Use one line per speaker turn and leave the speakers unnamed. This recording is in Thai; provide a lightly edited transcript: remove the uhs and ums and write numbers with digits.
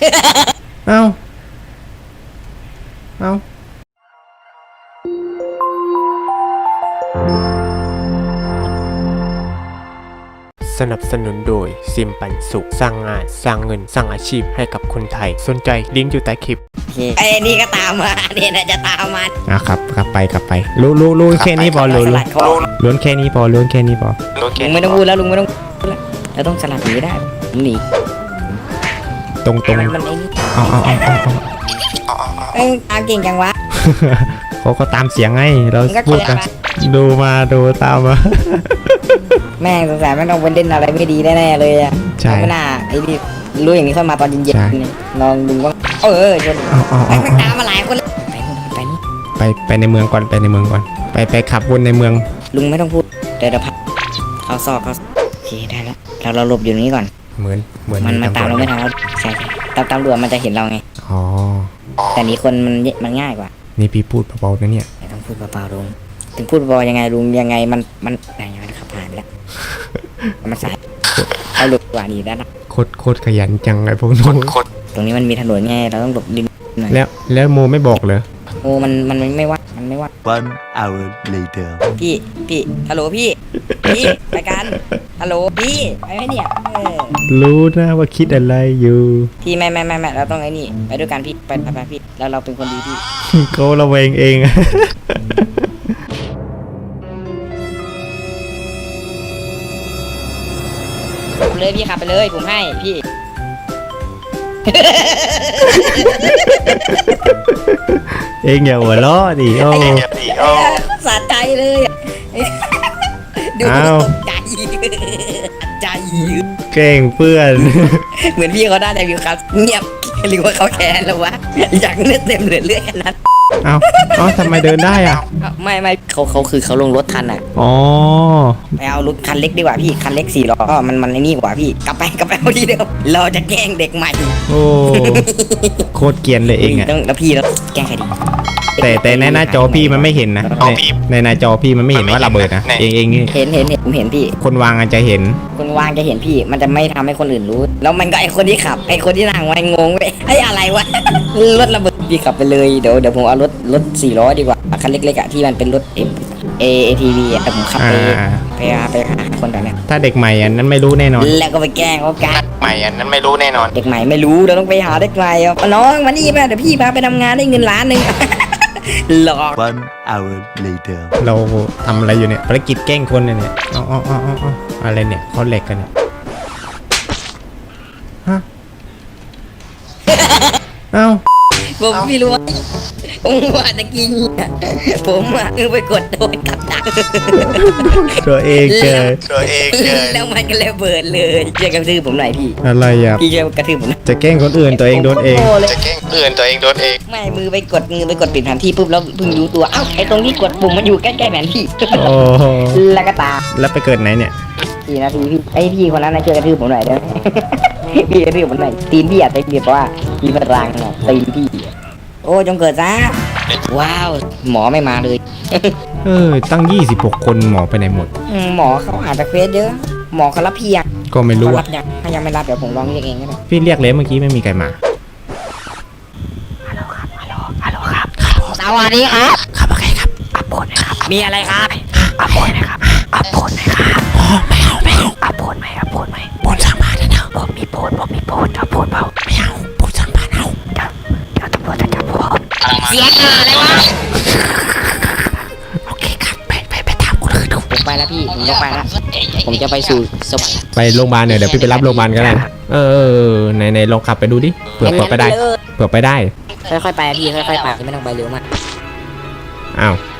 เอ้าเอ้าสนับสนุนโดยซิมปันสุขสร้างงานสร้างเงินสร้างอาชีพให้กับคนไทยสนใจลิงก์อยู่ใต้คลิป
ไอ้นี่ก็ตามมาเนี่ยนะจะตามมา
ครับกลับไปรู้แค่นี้พอล้วนแค่นี้พอลุง
ไม่ต้องพูดแล้วลุงไม่ต้องเราต้องสลัดหนีได้ผมหนี
ตรง
มันไอ้นี่
เอา
ตามเก่งจังวะ
เขาก็ตามเสียงไงเราพูดกันดูตามมา
แม่งสงสัยไม่ต้องเป็นเด่นอะไรไม่ดีแน่ๆเลยอ่ะ
ใช่
ไม่น่าไอ้นี่รู้อย่างนี้ค่อยมาตอนเย็นๆลองดูว่าชนมันตามมาหลายคนเลย
ไปในเมืองก่อนไปขับวนในเมือง
ลุงไม่ต้องพูดเดี๋ยวพักเขาซอกเขาโอเคได้แล้วเราหลบอยู่นี้ก่อน
เหมือน
มันตามเราไม่ทันแล้วใช่ตำรวจมันจะเห็นเราไง
อ๋อ
แต่นี้คนมันง่ายกว่า
นี่พี่พูดเบาๆนะเนี่ย
ไม่ต้องพูดเบาๆลุงถึงพูดเบายังไงลุงยังไงมันอะไรอย่างเงี้ยขับผ่านไปแล้วมันสายเอาหลบกว่านี้ได้นะ
โคตรขยันจังไอ้พวกนู้น
ตรงนี้มันมีถนนไงเราต้องหลบดินหน่อย
แล้วโมไม่บอกเลย
โมมันไม่ว่า
1 hour later
พี่ฮัลโหลพี่ไปกันฮัลโหลพี่ไปไหมเนี่ย
รู้นะว่าคิดอะไรอยู่
พี่ไม่เราต้องไอ้นี่ไปด้วยกันพี่ไปพี่แล้วเราเป็นคนดีพี่
เขาระแวงเอง
เลยพี่ขับไปเลยผมให้พี่
เองอย่าหัวล้อดิโอ้
สะใจเลยดูตกใจ
เก่งเพื่อน
เหมือนพี่เขาได้แต่วิวครับเงียบหรือว่าเขาแค้นแล้ววะอยากเลือดเต็มเลือดขนาด
เอาทำไมเดินได้อ่ะ
ไม่เขาคือเขาลงรถทันอ่ะ
อ๋อ
ไปเอารถคันเล็กดีกว่าพี่คันเล็ก4 ล้อมันไอ้นี่กว่าพี่กลับไปเอาทีเดียวเราจะแกล้งเด็กใหม่
โอ้โคตรเกรียนเลยเองอ่ะ
แล้วพี่แล้วแกล้งใครดี
แต่ในหน้าจอพี่มันไม่เห็นนะในหน้าจอพี่มันไม่เห็นว่าระเบิดนะเอง
เห็นผมเห็นพี่
คนวางอาจจะเห็น
คนวางจะเห็นพี่มันจะไม่ทำให้คนอื่นรู้แล้วมันก็ไอคนที่ขับไอคนที่นั่งมันงงไปไออะไรวะรถระเบิดพี่ขับไปเลยเดี๋ยวผมเอารถ4 ล้อดีกว่าคันเล็กๆอ่ะที่มันเป็นรถATV อ่ะแต่ผมขับไปหาคนแบบนี้
ถ้าเด็กใหม่อันนั้นไม่รู้แน่นอน
แล้วก็ไปแกล้งเขากัน
ใหม่อันนั้นไม่รู้แน่นอน
เด็กใหม่ไม่รู้เราต้องไปหาเด็กใหม่น้องมานี่มาเดี๋ยวพี่พาไปทำงานได้เงิน1 ล้านหลอก
1 hour later
เราทำอะไรอยู่เนี่ยภารกิจแกล้งคนเนี่ยอะไรเนี่ยเขาเหล็กกันเนี่ยฮะเอ้า
ผมไม่รู้ผมว่าตะกี้ผมไปกดโดนกับดัก
ตัวเองเจอ
แล้วมันก็เลยเบิดเลยช่วยกระทืบผมหน่อยพี่
อะไรอ่ะ
พี่ช่วยกระทืบผม
จะแกล้งคนอื่นตัวเองโดนเอง
ไม่มือไปกดปิดแผนที่ปุ๊บแล้วเพิ่งรู้ตัวเอ้าไอ้ตรงที่กดปุ่มมันอยู่ใกล้ๆแผนที่แล้วก็ตาม
แล้วไปเกิดไหนเนี่ย
4 นาทีพี่ไอพี่คนนั้นช่วยกระทืบผมหน่อยได้ไหมพี่กระทืบผมหน่อยตีนพี่อาจจะเรียกว่ามีพลังหน่อยตีนพี่โอ้จงเกิดซะว้าวหมอไม่มาเลย
ตั้ง26 คนหมอไปไหนหมด
หมอเขาอาจจะเควสเยอะหมอเขารับเพียง
ก็ไม่รู้
ถ้ายังไม่รับเดี๋ยวผมลองเรียกเองก็ได้
พี่เรียกเลยเมื่อกี้ไม่มีใครมา
ฮัลโหลครับสวัสดีครับโอเคครับอัพโพสครับมีอะไรครับอัพโพสครับไม่เอาอัพโพสไหมโพสสร้างบ้านนะผมมีโพสอัพโพสเปล่าไม่เอาโพสสร้างบ้านเอาเดี๋ยวตำรวจจะจับผมเสียงอะไรวะโอเคครับไปตามคนอื่นดูผมไปแล้วพี่ผมจะไปแล้วผมจะไปสู่สวรรค์
ไปโรงพยาบาลเนี่ยเดี๋ยวพี่ไปรับโรงพยาบาลก็ได้ในลองขับไปดูดิเผื่อไปได้
ค่อยๆไปพี่ค่อยๆไปไม่ต้องไปเร็วมาก
อ้าว